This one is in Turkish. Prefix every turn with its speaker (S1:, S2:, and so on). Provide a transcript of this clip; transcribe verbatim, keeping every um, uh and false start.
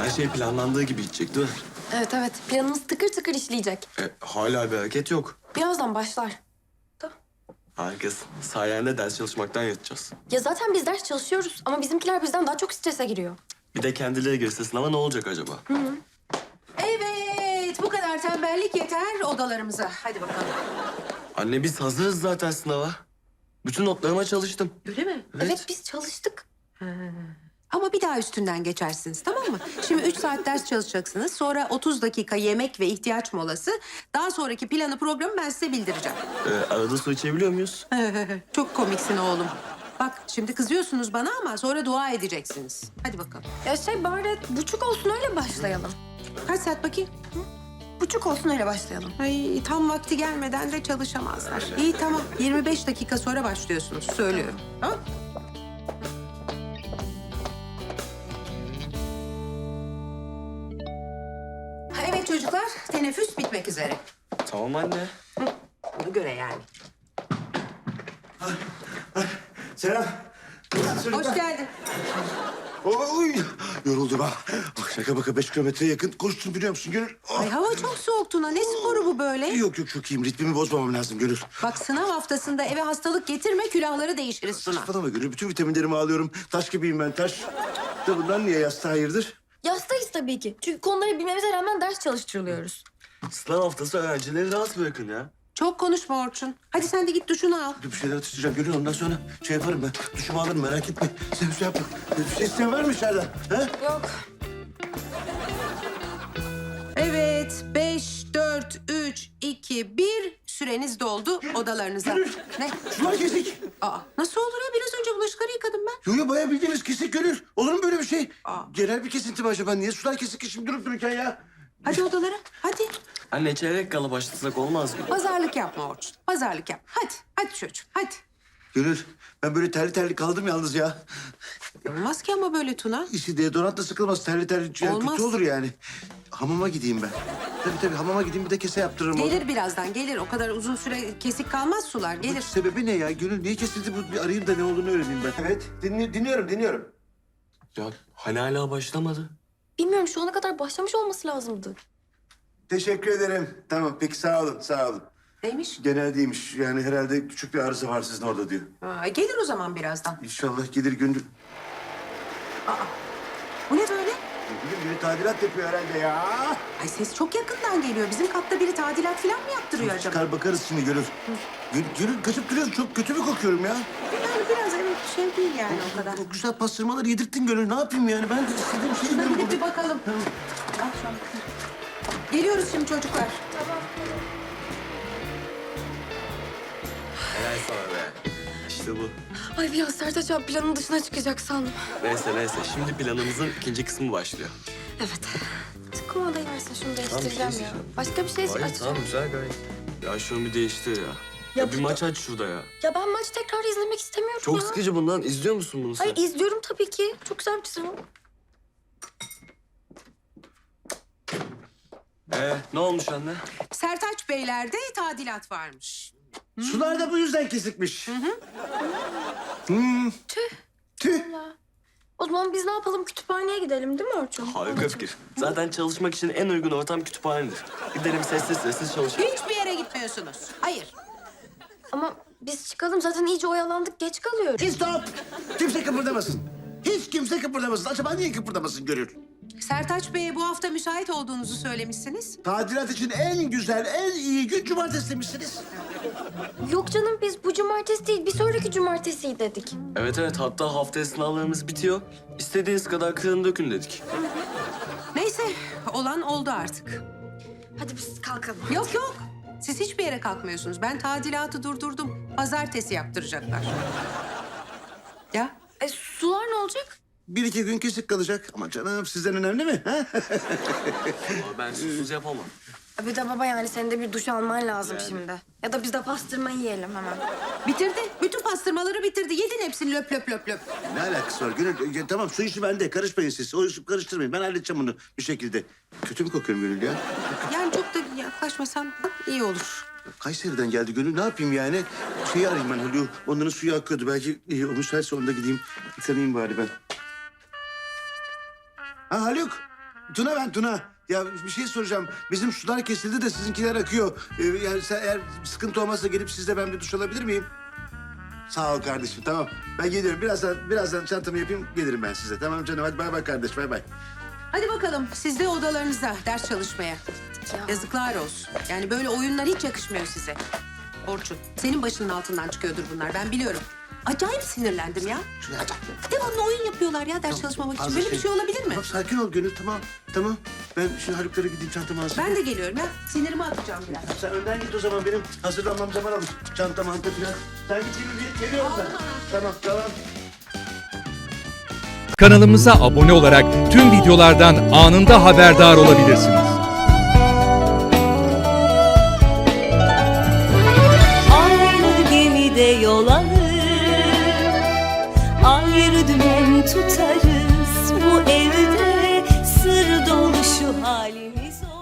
S1: Her şey planlandığı gibi gidecek değil mi?
S2: Evet evet, planımız tıkır tıkır işleyecek.
S1: E, hala bir hareket yok.
S2: Birazdan başlar. Da.
S1: Harikasın. Sayende ders çalışmaktan yatacağız.
S2: Ya zaten biz ders çalışıyoruz ama bizimkiler bizden daha çok strese giriyor.
S1: Bir de kendileri girse sınava ne olacak acaba?
S3: Evet, bu kadar tembellik yeter odalarımıza. Hadi bakalım.
S1: Anne biz hazırız zaten sınava. Bütün notlarıma çalıştım.
S3: Öyle mi?
S2: Evet, biz çalıştık.
S3: Ama bir daha üstünden geçersiniz, tamam mı? Şimdi üç saat ders çalışacaksınız. Sonra otuz dakika yemek ve ihtiyaç molası. Daha sonraki planı, programı ben size bildireceğim.
S1: E, arada su içebiliyor muyuz?
S3: Çok komiksin oğlum. Bak şimdi kızıyorsunuz bana ama sonra dua edeceksiniz. Hadi bakalım.
S2: Ya şey bari buçuk olsun öyle başlayalım.
S3: Kaç saat bakayım?
S2: Buçuk olsun öyle başlayalım.
S3: Ay tam vakti gelmeden de çalışamazlar. İyi tamam. yirmi beş dakika sonra başlıyorsunuz. Söylüyorum. Tamam. Ha, evet çocuklar. Teneffüs bitmek üzere.
S1: Tamam anne.
S3: Ona göre yani.
S4: Selam.
S3: Hoş geldin.
S4: Oy, yoruldum ha. Bak şaka baka beş kilometreye yakın koştum biliyor musun Gönül? Oh.
S3: Ay hava çok soğuk Tuna. Ne sporu bu böyle?
S4: Yok yok çok iyiyim. Ritmimi bozmamam lazım Gönül.
S3: Bak sınav haftasında eve hastalık getirme, külahları değişiriz Tuna.
S4: Saçmalama Gönül. Bütün vitaminlerimi alıyorum. Taş gibiyim ben taş. Da bundan niye yastığa hayırdır?
S2: Yastayız tabii ki. Çünkü konuları bilmemize rağmen ders çalıştırılıyoruz.
S1: Sınav haftası öğrencileri rahat bırakın ya.
S3: Çok konuşma Orçun. Hadi sen de git duşunu al.
S4: Bir şeyler atıştıracağım Gönül. Ondan sonra şey yaparım ben. Duşumu alırım merak etme. Sen bir şey yapma. Bir şey isteyen var mı içeriden? Ha?
S2: Yok.
S3: Evet, beş, dört, üç, iki, bir. Süreniz doldu odalarınıza. Ne?
S4: Sular kesik.
S3: Aa, nasıl olur ya? Biraz önce bulaşıkları yıkadım ben.
S4: Yo yo bayağı bildiğiniz kesik Gönül. Olur mu böyle bir şey?
S3: Aa.
S4: Genel bir kesinti mi acaba? Niye sular kesik ki şimdi durup dururken ya?
S3: Hadi odalara, hadi.
S1: Anne çeyrek kala başlasak olmaz mı?
S3: Pazarlık yapma Orçun, pazarlık yap. Hadi, hadi çocuğum, hadi.
S4: Gönül ben böyle terli terli kaldım yalnız ya.
S3: Olmaz ki ama böyle Tuna.
S4: İşte deodorantla sıkılmaz. Terli terli yani
S3: Olmaz.
S4: kötü olur yani. Hamama gideyim ben. Tabii tabii hamama gideyim bir de kese yaptırırım. orada.
S3: Gelir birazdan, gelir. O kadar uzun süre kesik kalmaz sular, gelir.
S4: Sebebi ne ya? Gönül niye kesildi bu? Bir arayayım da ne olduğunu öğreneyim ben. Evet dinli dinliyorum dinliyorum.
S1: Ya hani hala başlamadı.
S2: Bilmiyorum, şu ana kadar başlamış olması lazımdı.
S4: Teşekkür ederim. Tamam peki sağ olun sağ olun.
S3: Neymiş?
S4: Genel değilmiş. Yani herhalde küçük bir arıza var sizin orada diyor.
S3: Aa, gelir o zaman birazdan.
S4: İnşallah gelir Gönül.
S3: Bu ne böyle?
S4: Bugün biri tadilat yapıyor herhalde ya.
S3: Ay ses çok yakından geliyor. Bizim katta biri tadilat falan mı yaptırıyor acaba?
S4: Çıkar bakarız şimdi Gönül. Gönül, Gönül kaçıp duruyorsun. Çok kötü mü kokuyorum ya?
S3: Yani biraz evet şey değil yani o kadar.
S4: O güzel pastırmaları yedirttin Gönül. Ne yapayım yani? Ben de istediğim şeyi
S3: Şuna
S4: yiyorum
S3: gidip
S4: burada.
S3: bir bakalım. Al şu an. Geliyoruz şimdi çocuklar.
S1: Helal sana be. İşte bu.
S2: Ay bir an Sertaç abi planın dışına çıkacak sandım.
S1: Neyse neyse. Şimdi planımızın ikinci kısmı başlıyor.
S2: Evet. Kumandayı versin, şunu değiştireceğim ya.
S1: değiştireceğim.
S2: Başka bir şey
S1: Hayır
S2: açacağım.
S1: tamam güzel gayet. Ya şunu bir değiştir ya. Ya, bir
S2: bu-
S1: maç aç şurada ya.
S2: Ya ben maçı tekrar izlemek istemiyorum
S1: Çok
S2: ya.
S1: sıkıcı bundan. İzliyor musun bunu sen?
S2: Hayır izliyorum tabii ki. Çok güzel bir çizim.
S1: Ee, ne olmuş anne?
S3: Sertaç Beyler'de tadilat varmış.
S4: Sular da bu yüzden kesikmiş. Hmm.
S2: Tüh.
S4: Tüh.
S2: O zaman biz ne yapalım? Kütüphaneye gidelim değil mi Orçun?
S1: Harika fikir. Zaten çalışmak için en uygun ortam kütüphanedir. Gidelim sessiz sessiz çalışalım.
S3: Hiçbir yere gitmiyorsunuz. Hayır.
S2: Ama biz çıkalım, zaten iyice oyalandık, geç kalıyoruz.
S4: Stop. Kimse kıpırdamasın. Hiç kimse kıpırdamasın. Acaba niye kıpırdamasın Gönül?
S3: Sertaç Bey'e bu hafta müsait olduğunuzu söylemişsiniz.
S4: Tadilat için en güzel, en iyi gün cumartesi demişsiniz.
S2: Yok canım, biz bu cumartesi değil, bir sonraki cumartesi dedik.
S1: Evet evet hatta haftaya sınavlarımız bitiyor. İstediğiniz kadar kırın dökün dedik.
S3: Neyse, olan oldu artık.
S2: Hadi biz kalkalım.
S3: Yok yok. Siz hiçbir yere kalkmıyorsunuz. Ben tadilatı durdurdum. Pazartesi yaptıracaklar. Ya
S2: E sular ne olacak?
S4: Bir iki gün kesik kalacak. Ama canım sizden önemli mi? Ha?
S1: Ama ben susuz yapamam.
S2: Bir de baba yani senin de bir duş alman lazım şimdi. Ya da biz de pastırma yiyelim hemen.
S3: bitirdi. Bütün pastırmaları bitirdi. Yedin hepsini löp löp löp löp.
S4: Ne alakası var Gönül? Ya, tamam su işi bende. Karışmayın siz. O işi karıştırmayın. Ben halledeceğim bunu bir şekilde. Kötü mü kokuyorum Gönül ya?
S3: Yani çok da yaklaşmasan iyi olur.
S4: Kayseri'den geldi Gönül. Ne yapayım yani? Şeyi arayayım ben Haluk'u. Onların suyu akıyordu. Belki e, o müsaitse onda gideyim. Yıkanayım bari ben. Ha Haluk. Tuna ben Tuna. Ya bir şey soracağım. Bizim sular kesildi de sizinkiler akıyor. Ee, yani sen, eğer sıkıntı olmazsa gelip sizle ben bir duş alabilir miyim? Sağ ol kardeşim, tamam. Ben geliyorum. Birazdan birazdan çantamı yapayım, gelirim ben size. Tamam canım, hadi bay bay kardeş, bay bay.
S3: Hadi bakalım siz de odalarınıza ders çalışmaya. Yazıklar olsun. Yani böyle oyunlar hiç yakışmıyor size. Orçun, senin başının altından çıkıyordur bunlar. Ben biliyorum. Acayip sinirlendim ya.
S4: Şuraya aç.
S3: Devamlı oyun yapıyorlar ya ders çalışmamak için.
S4: Fazla
S3: Böyle bir şey olabilir mi?
S4: Tamam, sakin ol Gönül, tamam. Tamam. Ben şimdi Haluk'lara gideyim, çantamı hazırlayayım.
S3: Ben de geliyorum ya. Sinirimi atacağım biraz.
S4: Sen önden git o zaman, benim hazırlanmam zaman alır. Çanta, manta falan. Sen git gibi bir geliyorum ben. Tamam, tamam.
S5: Kanalımıza abone olarak tüm videolardan anında haberdar olabilirsiniz.
S6: Aynı gemide yol alır, ayrı dümen tutarız. Bu evde sır dolu şu halimiz olur.